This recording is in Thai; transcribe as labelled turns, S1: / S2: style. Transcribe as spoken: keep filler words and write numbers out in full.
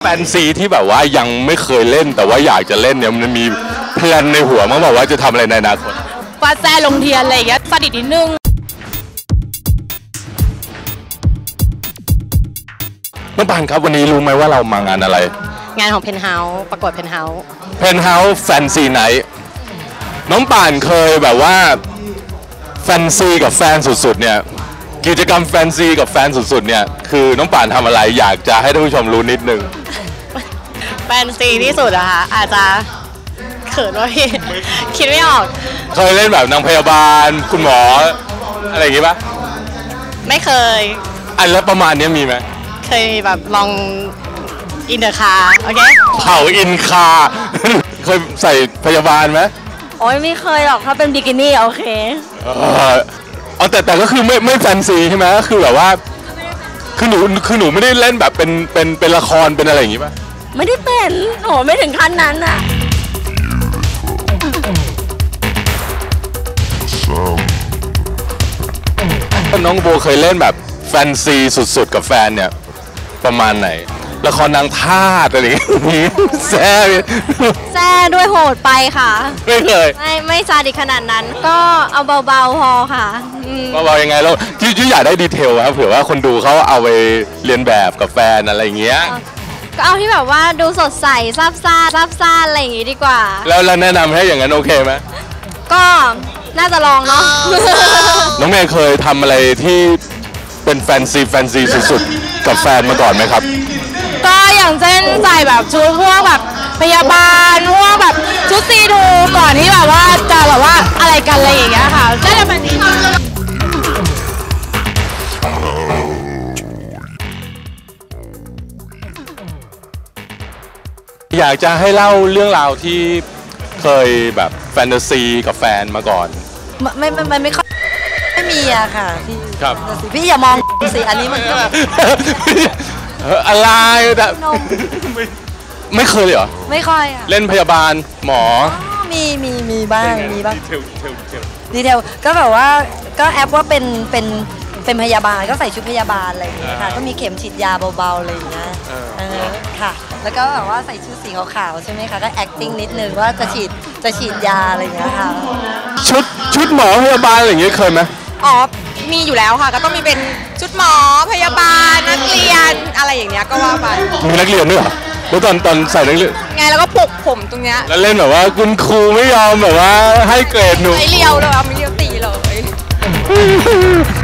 S1: แฟนซีที่แบบว่ายังไม่เคยเล่นแต่ว่าอยากจะเล่นเนี่ยมันมีแพลนในหัวมั้งบอกว่าจะทำอะไรในอนาคต
S2: ฟาแซ่ลงเทียนอะไรอย่างเงี้ยสนิทนิดนึง
S1: น้องปานครับวันนี้รู้ไหมว่าเรามางานอะไร
S2: งานของเพนเฮาส์ประกวดเพนเฮาส์
S1: เพนเฮาส์แฟนซีไนท์น้องป่านเคยแบบว่าแฟนซีกับแฟนสุดๆเนี่ยกิจกรรมแฟนซีกับแฟนสุดๆเนี่ยคือน้องป่านทำอะไรอยากจะให้ท่านผู้ชมรู้นิดนึง
S2: แฟนซีที่สุดอะค่ะอาจจะเขินว่าพี่คิดไม่ออก
S1: เคยเล่นแบบนางพยาบาลคุณหมออะไรอย่างงี้ปะ
S2: ไม่เคย
S1: อันแล้วประมาณนี้มีไหม
S2: เคยแบบลองอินเดอร์คาโอเค
S1: เผาอินคาเคยใส่พยาบาลไหม
S2: โอ้ยไม่เคยหรอกถ้าเป็นบิกินี่โอเค
S1: เออเอาแต่แต่ก็คือไม่ไม่แฟนซีใช่ไหมก็คือแบบว่าคือหนูคือหนูไม่ได้เล่นแบบเป็นเป็นเป็นละครเป็นอะไรอย่างงี้ป่ะ
S2: ไม่ได้เป็นโหไม่ถึงขั้นนั้นอะ
S1: น้องโบเคยเล่นแบบแฟนซีสุดๆกับแฟนเนี่ยประมาณไหนละครนางทาสอะไรอย่างงี้แซ่
S2: แซ่ด้วยโหดไปค่ะ
S1: ไม่เคย
S2: ไม่ไม่ซาดิสขนาดนั้นก็เอาเบาๆพอค่ะ
S1: เบาๆยังไงเราที่ที่อยากได้ดีเทลครับเผื่อว่าคนดูเขาเอาไปเรียนแบบกับแฟนอะไรอย่างเงี้ย
S2: ก็เอาที่แบบว่าดูสดใสซาบซ่าซาบซ่าอะไรอย่างงี้ดีกว่า
S1: แล้วเราแนะนำให้อย่างนั้นโอเคไหม
S2: ก็น่าจะลองเนาะ
S1: น้องเมย์เคยทำอะไรที่เป็นแฟนซีแฟนซีสุดๆกับแฟนมาก่อนไหมครับ
S2: ก็อย่างเช่นใส่แบบชุดพวกแบบพยาบาลพวกแบบชุดซีดูก่อนที่แบบว่าจะแบบว่าอะไรกันอะไรอย่างเงี้ยค่ะได้แบบนี้
S1: อยากจะให้เล่าเรื่องราวที่เคยแบบแฟนตาซีกับแฟนมาก่อน
S2: ไม่ไม่ไม่ไม่ค่อยไม่มีอะค่ะพี่
S1: ครับ
S2: พี่อย่ามองสิอันนี้มันก็แบบ
S1: อะไรแต่ไม่เคยเลยเหรอ
S2: ไม่ค่อยอะ
S1: เล่นพยาบาลหมอ
S2: มีมีมีบ้างมีบ้าง
S1: ดีเทลดีเทลดีเทล
S2: ดีเทลก็แบบว่าก็แอปว่าเป็นเป็นเป็นพยาบาลก็ใส่ชุดพยาบาลอะไรอย่างเงี้ยค่ะก็มีเข็มฉีดยาเบาๆอะไรอย่างเงี้ยเออค่ะแล้วก็แบบว่าใส่ชุดสีขาวๆใช่ไหมคะก็ acting นิดนึงว่าจะฉีดจะฉีดยาอะไรอย่างเงี้ยค่ะ
S1: ชุดชุดหมอพยาบาลอะไรอย่างเงี้ยเคยไหม
S2: อ๋อมีอยู่แล้วค่ะก็ต้องมีเป็นชุดหมอพยาบาลนักเรียนอะไรอย่างเงี้ยก็ว่าไป
S1: มีนักเรียนด้วยเหรอแล้วตอนตอนใส่นักเรียน
S2: ไงแล้วก็ปลุกผมตรงเนี้ย
S1: แล้วเล่นแบบว่าคุณครูไม่ยอมแบบว่าให้เกรดหนู
S2: ไม่เลียวเลยไม่เลียวตีเลย